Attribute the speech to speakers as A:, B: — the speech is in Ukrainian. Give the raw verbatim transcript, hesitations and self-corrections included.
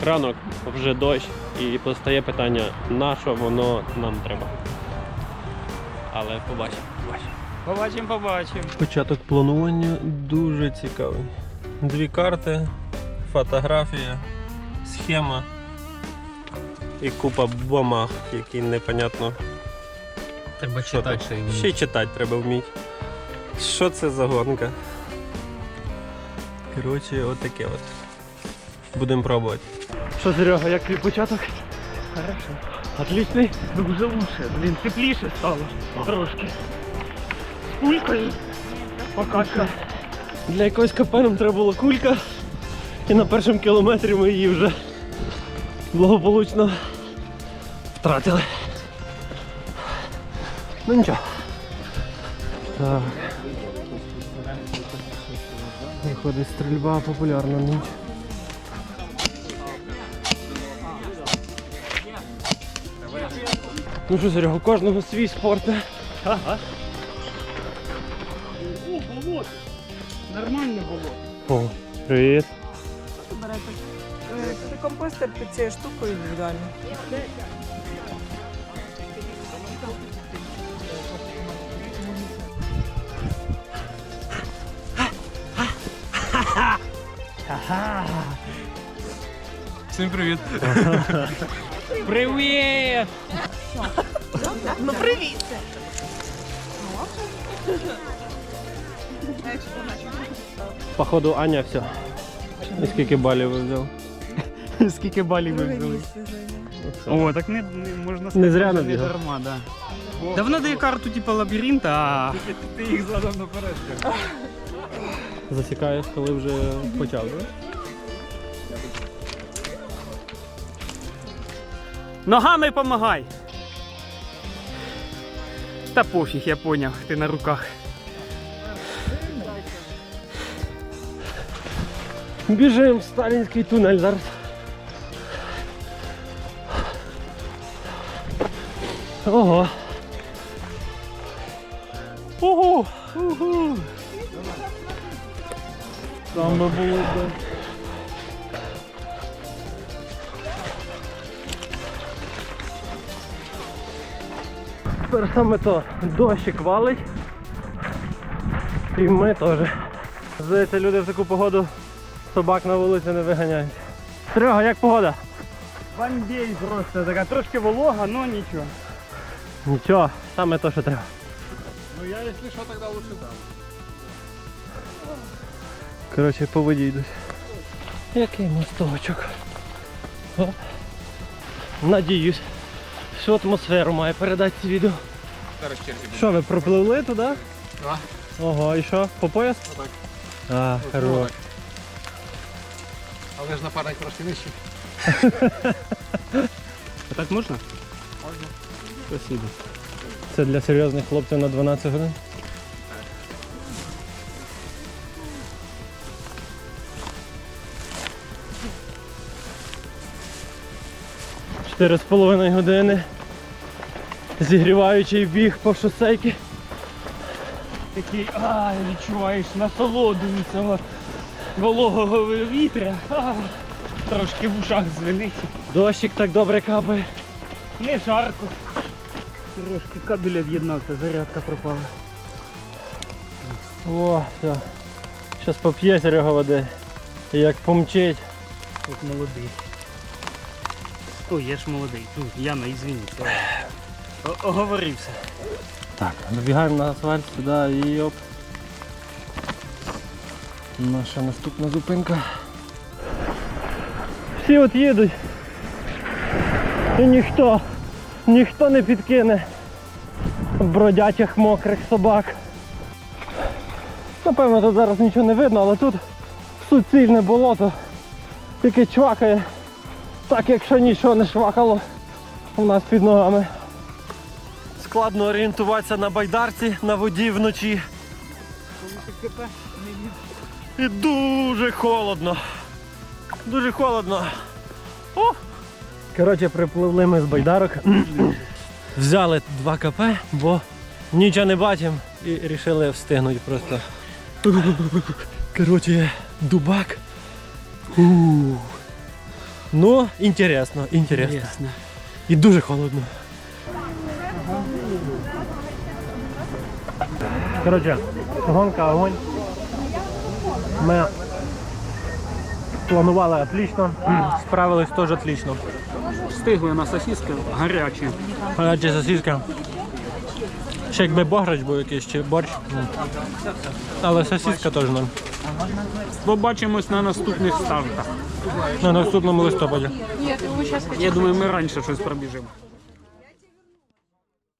A: Ранок, вже дощ, і постає питання, на що воно нам треба. Але побачимо, побачимо.
B: Побачимо, побачимо.
A: Початок планування дуже цікавий. Дві карти, фотографія, схема і купа бумаг, які непонятно.
B: Треба
A: Що
B: читати,
A: там.
B: що їм.
A: Ще й читати треба вміти. Що це за гонка? Коротше, отаке от. Будемо пробувати. Що, Серега, як твій початок?
B: Хорошо.
A: Отличний?
B: Дуже лучше. Блін, тепліше стало. Трошки. З кулькою. Пока що.
A: Для якогось КП нам треба була кулька. І на першому кілометрі ми її вже благополучно втратили. Ну нічого. Так. Виходить, стрільба популярна ніч. Ну що, Серега, у кожного свій спорт.
B: Ага. О, болото. Нормальне болото.
A: О, привіт.
C: Це компостер під цією штукою індивідуально.
B: Всім привіт. Привіт!
C: Ну привіт!
A: Походу Аня все. І скільки балів ви взяв?
B: Скільки балів ви взяли? О, так не, не можна сказати,
A: Не зря
B: що
A: набігав.
B: дарма, да. Да вона дає карту типу лабіринта, а... Ти їх задав наперед.
A: Засікаєш, коли вже почав, так?
B: Ногами помагай! Та пофіг, я поняв, ти на руках.
A: Біжимо в сталінський тунель зараз. Ого. Ого. Ого. Там би було б. Тепер саме то дощик валить. І ми теж. Здається, люди в таку погоду собак на вулиці не виганяють. Серега, як погода?
B: Бандей просто, така трошки волога, але нічого.
A: Нічого, саме то, що треба.
D: Ну я, если что, тогда лучше там.
A: Коротше, по воді йдуть. Який мосточок. О. Надіюсь, всю атмосферу має передати це відео.
D: Зараз черги будуть.
A: Що, ви пропливли туди?
D: Да.
A: Ого, і що, по пояс?
D: Отак.
A: А,
D: Ось,
A: хорош.
D: отак. Але ж напарник трошки нижче.
B: А так можна?
D: Можна.
B: Спасибо.
A: Це для серйозних хлопців на дванадцять годин. Чотири з половиною години. Зігріваючий біг по шосейки.
B: Такий, ай, відчуваєш насолоду від цього вологого вітря. А, трошки в ушах звенить.
A: Дощик так добре капає.
B: Не жарко. Трошки кабеля в'єднався, зарядка пропала.
A: О, все. Зараз поп'є Серега води. І як помчить.
B: От молодий. Ой, я ж молодий. Фу, Яна, ізвиніть. О- Оговорився.
A: Так, набігаємо на асфальт сюди і оп. Наша наступна зупинка. Всі от їдуть. І ніхто, ніхто не підкине бродячих мокрих собак. Напевно, тут зараз нічого не видно, але тут суцільне болото, яке чвакає, так якщо нічого не швакало у нас під ногами. Складно орієнтуватися на байдарці, на воді вночі. І дуже холодно. Дуже холодно. О! Коротше, припливли ми з байдарок. Взяли два КП, бо нічого не бачимо і вирішили встигнути просто. Коротше, дубак. Ух. Ну, інтересно, інтересно.
B: Ясно.
A: І дуже холодно. Коротше, гонка огонь. Ми планували отлично, справились теж отлично.
B: Встигли на сосиски гарячі.
A: Гаряча сосиска. Ще якби бограч був якийсь чи борщ. м. Але сосиска теж нам.
B: Побачимось на наступних стартах.
A: На наступному листопаді.
B: Я думаю, ми раніше щось пробіжимо.